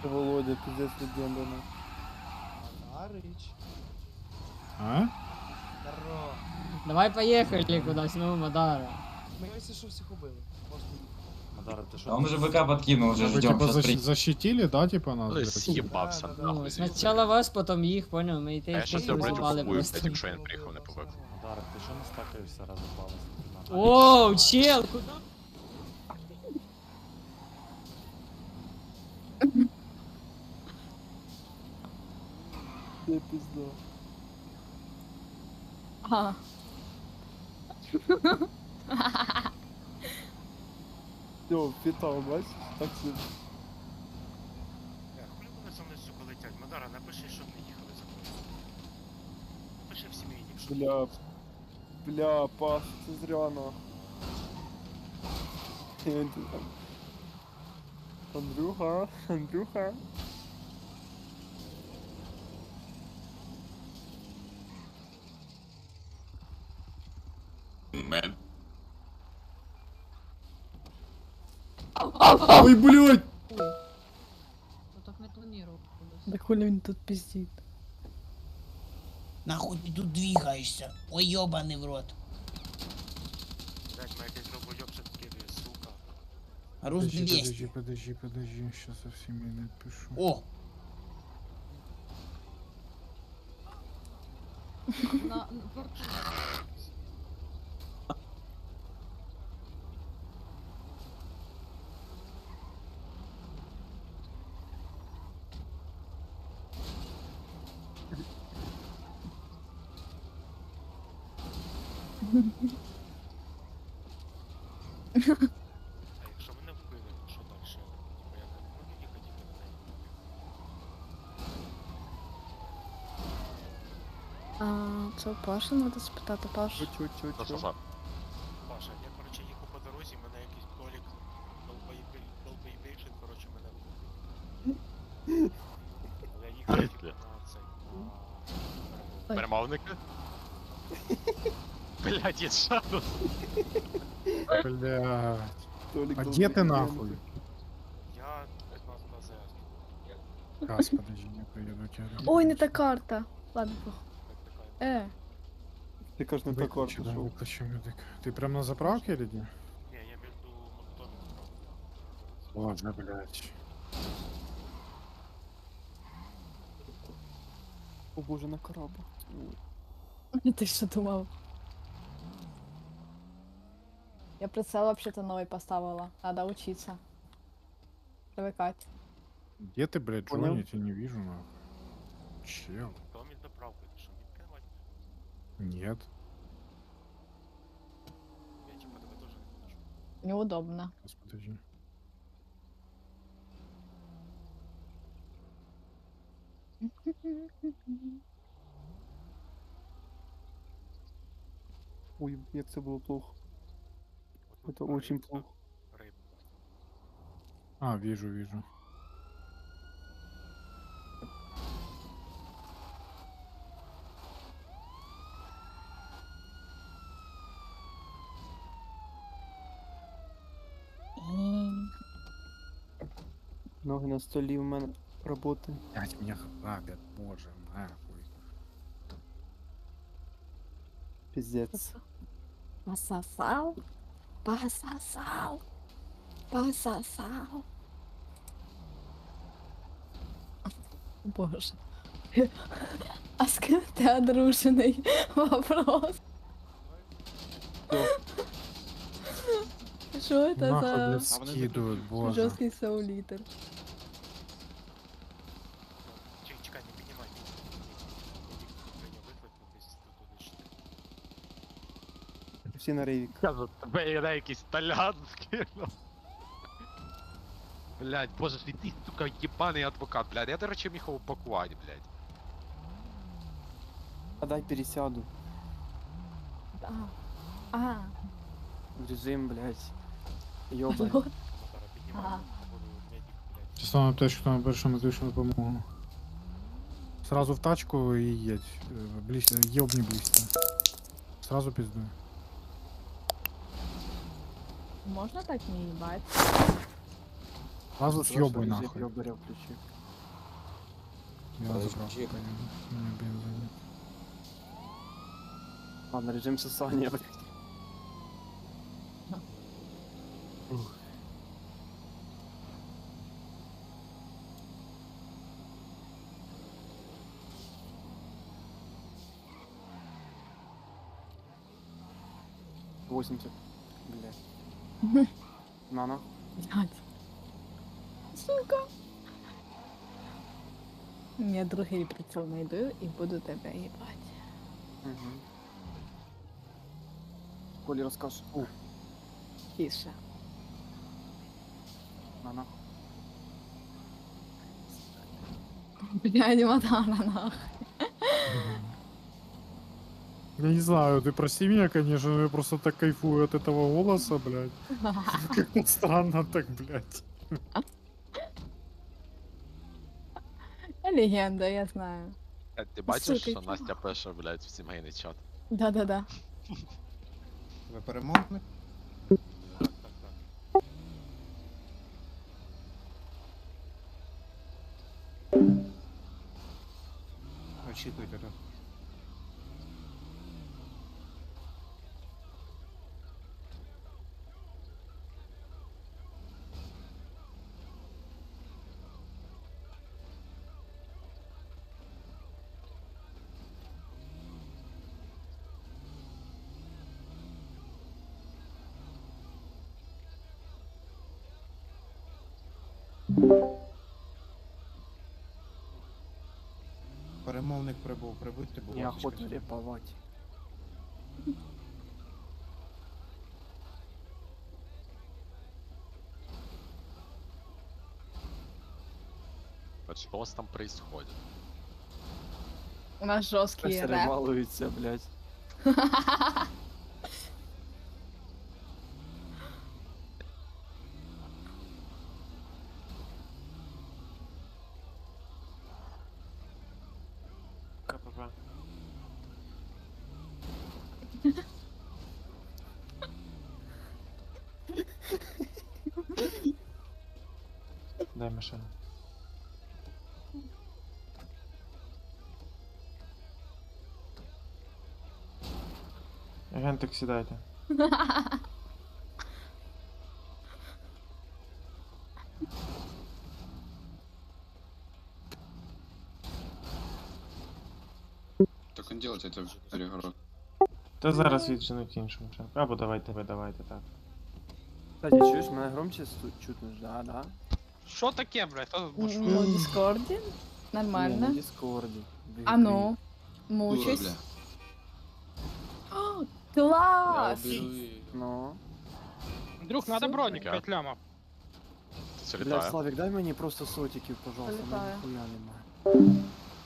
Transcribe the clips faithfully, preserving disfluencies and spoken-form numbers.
Володя, пиздец, легенда, ну. Арыч. А? Здорово. Давай поехали куда-нибудь, ну, Мадара. Мы, если что, всех убили. Мадара, ты А что? он уже БК подкинул, уже Вы ждем. типа Сейчас защ- при... защитили, да, типа нас? Ну, блядь? съебався, Да, да, Ну, нахуй. спочатку вас, потім їх, понял, ми і А те я щас тебе, блядь, розбали упакую, просто. блядь, якщо він приїхав не побив. Мадара, ти що не стакаєшся разом палець? Оу, чел, куда? Я пизда. Ага. Всё, питал, бачиш? Так все. Хули вони за мною, сука, летять? Мадара, напиши, щоб не їхали за мною. Напиши в сімейник, щоб... Бля. Бля, Паш, це зря нахуй. Він тут там. Андрюха, Андрюха. Ой, блядь! Ну так не планировал. Да хули він тут пиздит. Нахуй ты тут двигаешься? Ой, ёбаный в рот. Блять, мене якийсь долбойоб ще скидує, сука. Рус Подожди, подожди, двести. подожди, подожди, сейчас со всеми напишу. О, На, А якщо мене вбили, що далі? Типа я не можу їхати, як мене А, це у Паші треба спитати, Паш. Ну що, Чо-чо-чо. що? Паша, я, короче, їхав по дорозі, мене якийсь толік долбоєбейшин, короче, мене вбив. Я їхав, типа, на цей, на... Перемовники? Блядь, є шану. Блядь. Толік А долбоєб, где ты я нахуй? Я пятнадцать на ЗС. Раз, подожди, не приеду тебя. Ой, не та карта. Ладно, похуй. Так, така. Е, Ти кажеш, не так Выключи, да, шел. выключи медик. Ты прям на заправке или где? Ні, я между монотонами. Ладно, блядь. О боже, на корабль. ти що думав? Я прицел вообще-то новый поставила. Надо учиться. Привыкать. Где ты, блядь, Понял. Джонни? Я тебя не вижу, нахуй. Чел? Хто мені заправку, ти що, не відкривати? Нет. Я типа тебе теж не бачу. Неудобно. Сейчас, подожди. Ой, як це було плохо. От Это ми очень проїхали плохо. рибу. А, вижу, вижу. Ноги на столі в мене роботи. Блядь, меня грабят, боже, нахуй. Пиздец. Пососал, пососал, пососал. Боже. А с кем ты одруженный? Вопрос. Что это Нахуй, за блядь, скидывают, боже. жесткий саулитер? Чекай, чекай, не піднімай. Прийняв виклик, ну, десь тут туди. Всі на рейвік. Кажу, тебе я якийсь талян скинув. Блядь, боже ж ти, сука, єбаний адвокат, блядь. Я, до речі, міг упакувати, блядь. А дай пересяду. Да. А, В режим, блядь. Ёбань. вот. Мотора піднімай, Ага. походу, медик, блядь. Сейчас на аптечку, там большую медичную помогу. Сразу в тачку и едь. Э, Близ... Ёбни близко. Сразу пиздуй. Можно так не ебать? Сразу съебуй Режим нахуй. ёбаря включи. Я на заправку поеду. У меня бенза нет. Ладно, режим сосания, блядь. Ух. восемьдесят. Блядь. На, на. Блядь. Сука. Я другий прицел знайду і буду тебе їбати. Угу. Колі розкажеш. У, Тише. на, на. Блядь, Мадара, нахуй. Я не знаю, ты прости меня, конечно, но я просто так кайфую от этого голоса, блядь. Как-то странно так, блядь. Я легенда, я знаю. Е, Ти бачиш, Сука, що Настя пише, блядь, в сімейний чат? Да-да-да. Ви перемовник? Так, так, так. Очікуйте тут. Перемовник прибув, прибудьте, будь ласка. Неохота реповать. От що у вас там происходит? У нас жорсткий реп. Перебалується, блядь. КПП. Дай машину. Агентик, сідайте. Так он делать это перегород. Та зараз відженуть іншому. Або давайте ви, давайте так. Кстати, чуєш, мене громче сту- чутно ж, да, да? Що таке, блядь? Хто тут бушує? Ну, в Дискорді. Ні, Нормально. на Дискорді. А ну, мучусь. О, класс! Ну. Друг, надо броник, п'ять лямов. Це Бля, літає. Славік, дай мені просто сотиків, пожалуйста, мене Залітаю. ніхуя немає.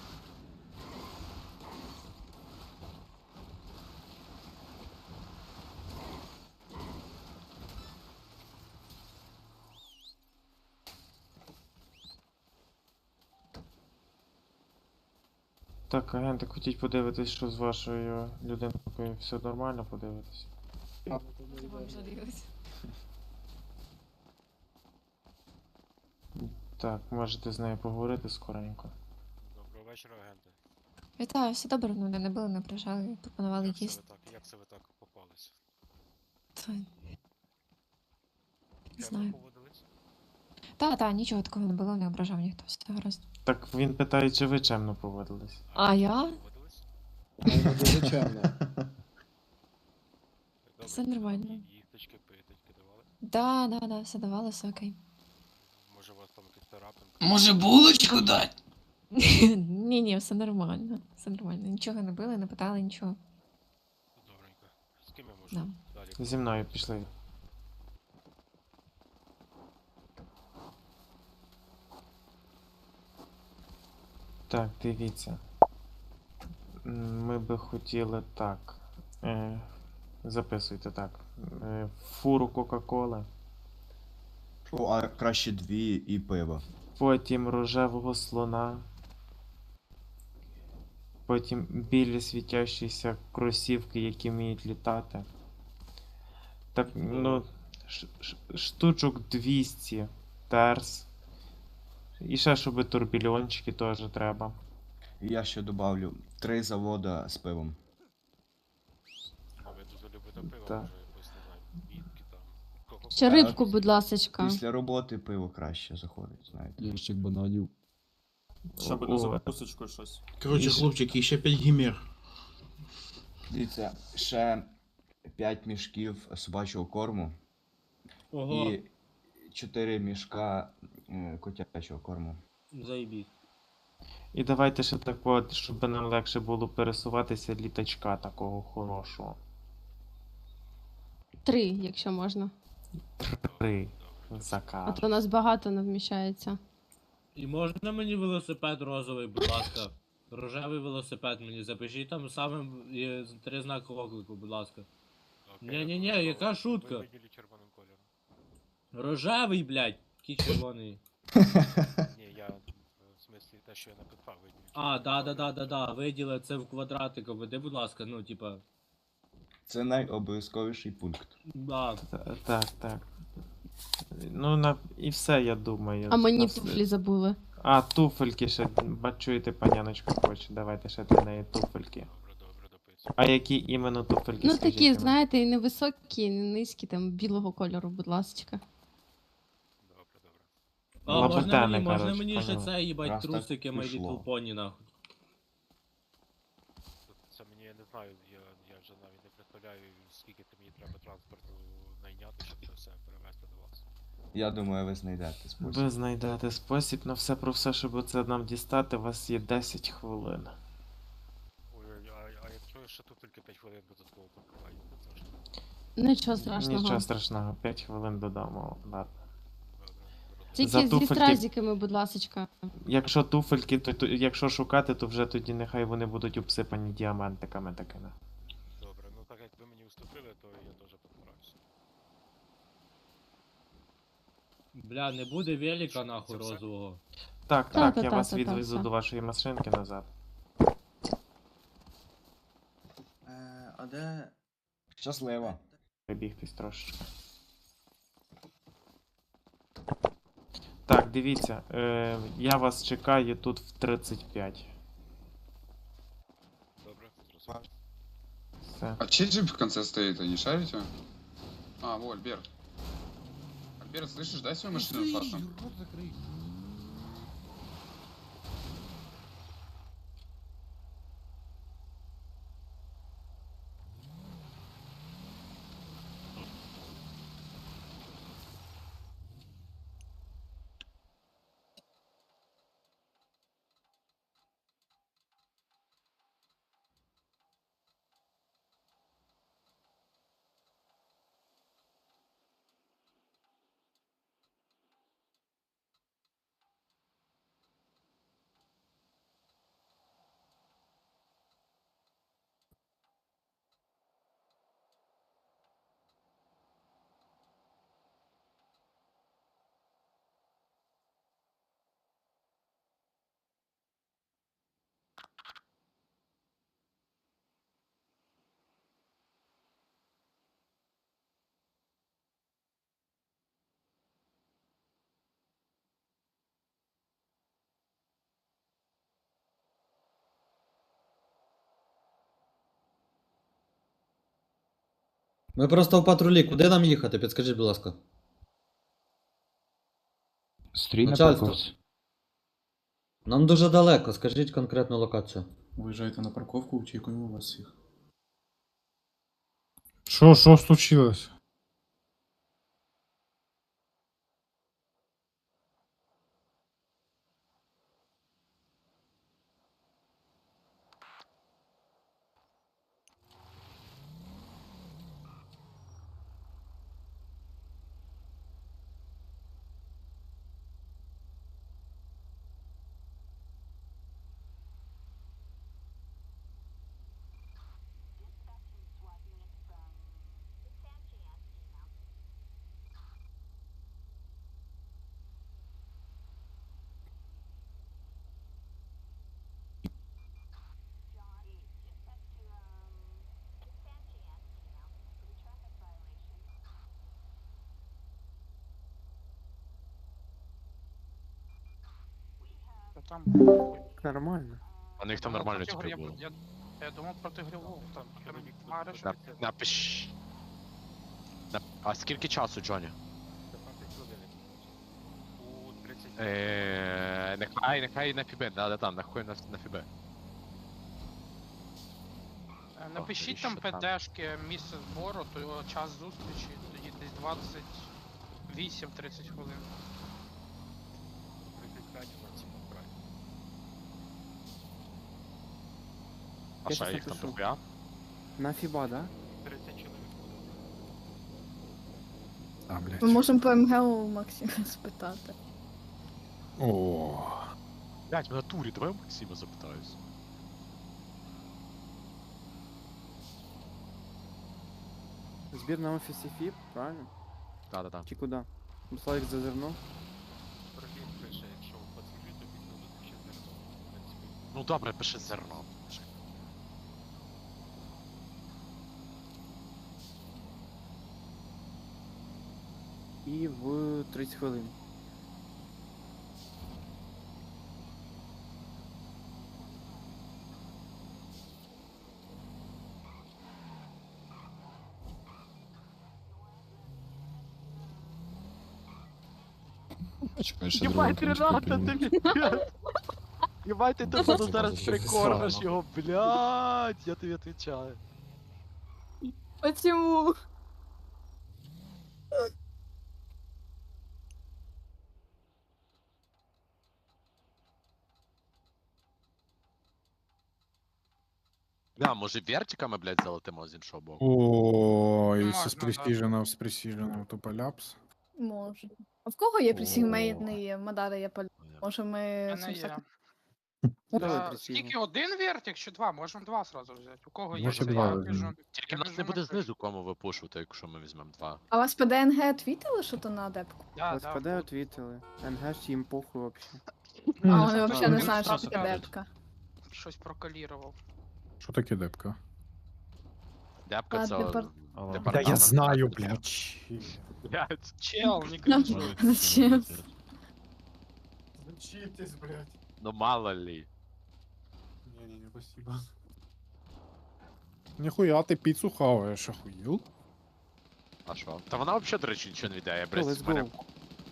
Так, агентик, хотіть подивитись, що з вашою людинкою все нормально, подивитись. Так, можете з нею поговорити скоренько. Доброго вечора, агенти. Вітаю, все добре, мене не били, не прижали, пропонували Як це ви їсти. так, як це ви так попалися? Та, не Як знаю. ви поводились? Та, та, нічого такого не було, не ображав ніхто, все гаразд. Так він питає, чи ви чемно поводились. А я? Поводились? Дуже чемно. Добре, Все нормально. і- Їхточки, пийточки давали? Да, да, да, все давали, все окей. Може у вас там якась царапинка? Може булочку дать? Ні, ні, все нормально, все нормально. Нічого не били, не питали, нічого. Добренько. З ким я можу Да. далі? Зі мною пішли. Так, дивіться. М, Ми би хотіли так. Е, записуйте так. Е, фуру Кока-Коли. О, а краще дві і пиво. Потім рожевого слона. Потім білі світящіся кросівки, які вміють літати. Так, ну, ш- ш- штучок двісті терс. І ще, щоб турбільончики теж треба. І я ще добавлю три завода з пивом. А ви дуже любите пиво, Так. може якось, не знаю, бітки там. Кока-Кола. Ще рибку, будь ласочка. Після роботи пиво краще заходить, знаєте. Ящик бананів. Щоб на закусочку щось. Коротше, хлопчики, ще п'ять гімер. Дивіться, ще п'ять мішків собачого корму Ого, і чотири мішка е, котячого корму. заїбіть. І давайте ще так, от, щоб нам легше було пересуватися, літачка такого хорошого. Три, якщо можна. Три А заказ. то нас багато не вміщається. І можна мені велосипед розовий, будь ласка? Рожевий велосипед мені запишіть там саме е, три знаки оклику, будь ласка. Окей, Ні-ні-ні, готово. яка шутка? Ви виділи червоним кольором. Рожевий, блядь, який червоний. Ні, я е, в смислі те, що я написав, виділив. А, да-да-да-да-да, виділи це в квадратик, обведи, будь ласка, ну, типа, Це найобов'язковіший пункт. да. Та- Так, так. Ну, на... і все, я думаю. А мені Нас- туфлі забули. А, туфельки ще, бачуєте, паняночка хоче, давайте ще для неї туфельки. Добре, добре, дописую. А які іменно туфельки, Ну скажіть такі, мені? знаєте, і невисокі, і не низькі, там білого кольору, будь ласочка. Добре, добре. А, можна Лабутени, мені, можна коротше, мені ще поняли. це, їбать, Раз так трусики My пішло. Little Pony, нахуй. Це мені, я не знаю, я, я вже навіть не представляю, скільки ти мені треба транспорту найняти, щоб це все перевезти до вас. Я думаю, ви знайдете спосіб. Ви знайдете спосіб на все про все, щоб це нам дістати, у вас є десять хвилин. Ой, а, а якщо ще тут тільки п'ять хвилин додатково покриваю, то це ж Нічого страшного. Нічого страшного, п'ять хвилин додамо. Ладно. добре. добре. Тільки За зі туфельки- стразиками, будь ласочка. Якщо туфельки, то, то якщо шукати, то вже тоді нехай вони будуть обсипані діамантиками такими. Добре, ну так як ви мені уступили, то я теж постараюся. Бля, не буде велика, Що, нахуй, це все? розового. Так, Та, так, та, я та, вас та, та, відвезу все. до вашої машинки назад. Е, а де. Щасливо. Прибігтись трошечки. Так, дивіться, е, я вас чекаю тут в тридцять п'ять. Добре, зрозумів. Все. А чей джип в конце стоит, а не шарите? А, во, Альберт. Альберт, слышишь, дай свою машину фастом. Рот закрий. Ми просто в патрулі, куди нам їхати? Підскажіть, будь ласка. Стрій на Начальство. парковці. Нам дуже далеко, скажіть конкретну локацію. Виїжджайте на парковку, очікуємо вас всіх. Що, що случилось? то там. Нормально. У них там Ну, нормально проти типу Грив- було. Я, я думав проти Грилову, там Чоловік тут Мариш. На, напиш. На, а скільки часу, Джоні? п'ятнадцять хвилин. У тридцять. Е, нехай, нехай на фібе, да, да, там, нахуй на, на фібе. Е, Напишіть навіщо там там? ПДшки, місце збору, то його час зустрічі, тоді десь двадцять вісім тридцять хвилин. тридцять п'ять максимум брати. А Я що, щас їх там напишу. дохуя? На Фіба, да? тридцять чоловік буде. А, блядь. Ми можемо по МГУ у Максима спитати. О, Блять, в натурі, давай у Максима запитаюсь. Збір на офісі Фіб, правильно? Да-да-да. Чи куди? Славік зазирнув. Прогін пише, якщо пацюки, то підкладуть ще зерно. В принципі, Ну добре, пиши зерно. Пиши. І в тридцять хвилин. Чекай, ще Єбать, другого Рената, кінчика ти підніму. блядь. Єбать, ти тут буду зараз прикормиш його, блядь, я тобі відповідаю. Почему? Да, може вертиками, блядь, залетимо з іншого боку. ой, Можна, з да. престиженого, з престиженого тупо ляпс. Може. А в кого є О. присімейний Мадара є полі? Може ми Мене самсак- є. Давай Та, присігну. Скільки один вертик чи два? Можемо два сразу взяти. У кого є Може, це, два я візьмемо. біжу. Тільки Я нас біжу не буде на знизу кому випушувати, якщо ми візьмемо два. А вас по ДНГ твітили, що то на адепку? Да, Вас да, ПД буду. отвітили. НГ ж їм похуй вообще. А вони взагалі не Він знають, що просто таке кажуть. депка. Щось прокалірував. Що таке депка? Депка А, це... депар- департамент. Да я знаю, блядь. Блядь. Чел, не кажу. Зачем? Зачитесь, блядь. Ну мало ли. Не-не-не, спасибо. Ніхуя ти піцу хаваєш, охуєл? А що? Та вона взагалі, до речі, нічого не віддає. Go, let's Бресь, в мене... go.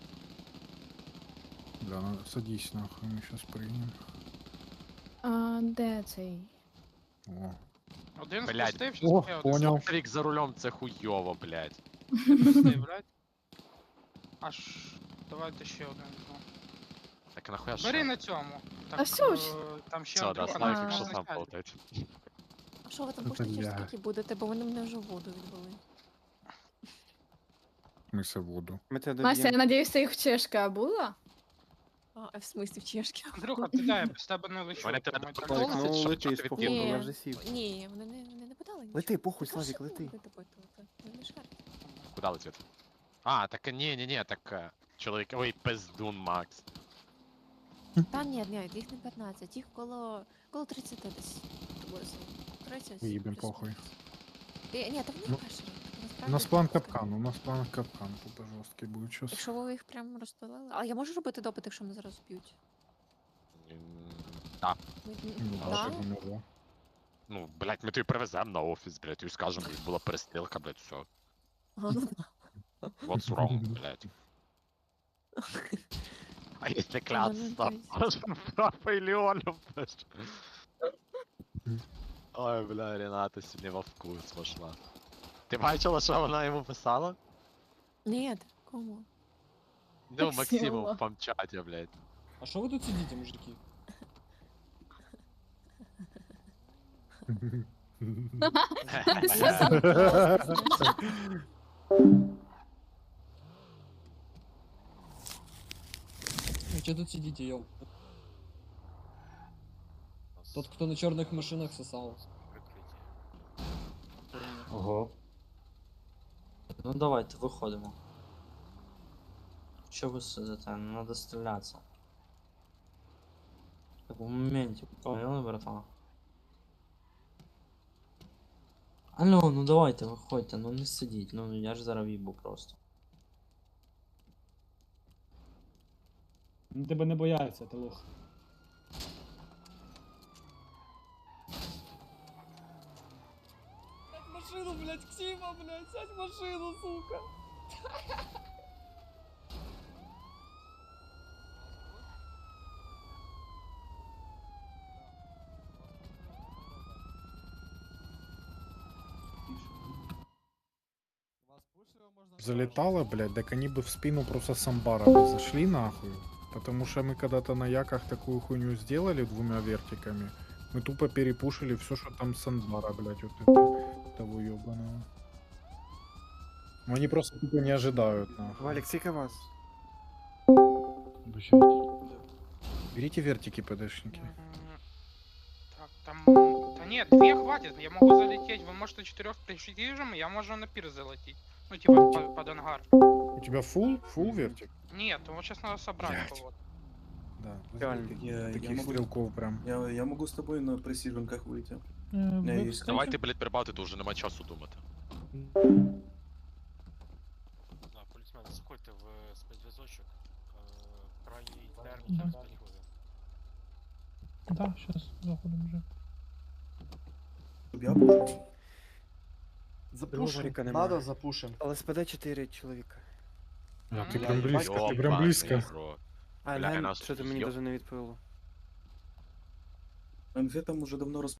Да, ну садись нахуй, ми щас приймем. А де цей? О. Один Блядь. спустився, О, ще один поняв. Рік за рулем це хуйово, блядь. спустив, блядь. Аж, давайте ще один візьму. Так нахуя що? Бери на цьому. Так, А все ж. е, там ще Все, да, Андрюха Славік, нас якщо не сам знає. полетить. А що ви там Та пушите через бля. скільки будете, бо вони мене вже в воду відвели. Ми все воду. Ми тебе Настя, я доб'ємо. надіюсь, це їх чешка була? А, в смислі в чешки? Андрюха, ти дай, я без тебе не лечу. Вони тебе тому так так Славік, Славік, ну що- лети що ти з похуй, відкинув? я Ні, вже сів. ні, вони не, вони не подали нічого. Лети, похуй, Так, Славік, що лети. ви допитувати? Ви не шарите. Куди летить? А, так ні, ні, ні, так е, чоловік. Ой, пиздун Макс. Та ні, ні, їх не п'ятнадцять, їх коло, коло тридцять десь. Приблизно. тридцять. Їбем плюс похуй. мінус. Е, Ні, та вони Ну, перші. У нас план капкан, у нас план капкан, тупо жорсткий буде щас. Якщо ви їх прямо розпилили. А я можу робити допит, якщо мене зараз б'ють? М, Так. Ми- Ну, Да? да, чого не було. Ну, блядь, ми тобі привеземо на офіс, блядь, і скажемо, що була перестрілка, блядь, все. А, ну да. What's wrong, блядь? А если кляться, Ну, ну, Папа или Оля, блядь? Ой, бля, Рената сьогодні во вкус пошла. Ти бачила, що вона йому писала? Ні, кому? Ну, Максиму. Максиму в памчаті, блядь. А що ви тут сидите, мужики? Вы что тут сидите, ёл? Тот, кто на черных машинах сосал. Ого. Ну давайте, виходимо. Що ви сидите? Не надо стрілятися. Так в моменті, поняли, братан? Алло, ну давайте, виходьте, ну не сидіть, ну я ж зараз їбу просто. Тебе не бояться, ти лох. машину, блядь, Ксима, блядь, сядь в машину, сука. Залетало, блядь, так они бы в спину просто с амбара бы зашли нахуй. Потому что мы когда-то на яках такую хуйню сделали двумя вертиками. Мы тупо перепушили все, что там с амбара, блядь, вот это, того ебаного. Но они просто тупо не ожидают, нахуй. Валик, сколько вас? Берите вертики, ПДшники. Так, там... Да нет, две хватит, я могу залететь. Вы можете четырех пришьежим, я могу на пир залететь. Ну, типа, под, под ангар. У тебя фул? Фул вертик? Нет, вот сейчас надо собрать Блядь. кого-то. Да. Реально. Я, таких я могу... стрелков прям. Я, я могу с тобой на пресиженках выйти. Э, Я есть. Давайте, блядь, прибавити, то вже нема часу думати. Да, полісмени, заходьте в спецзв'язочок. Е, Крайній термін через п'ять хвилин. Да, сейчас заходим уже. Щоб я пушив. Запушим, надо запушим. ЛСПД чотири чоловіка. А, ти прям близько, ти прям близько. А, Бля, Ген, нас що ти мені йо- даже не відповіло? МГ там уже давно розп...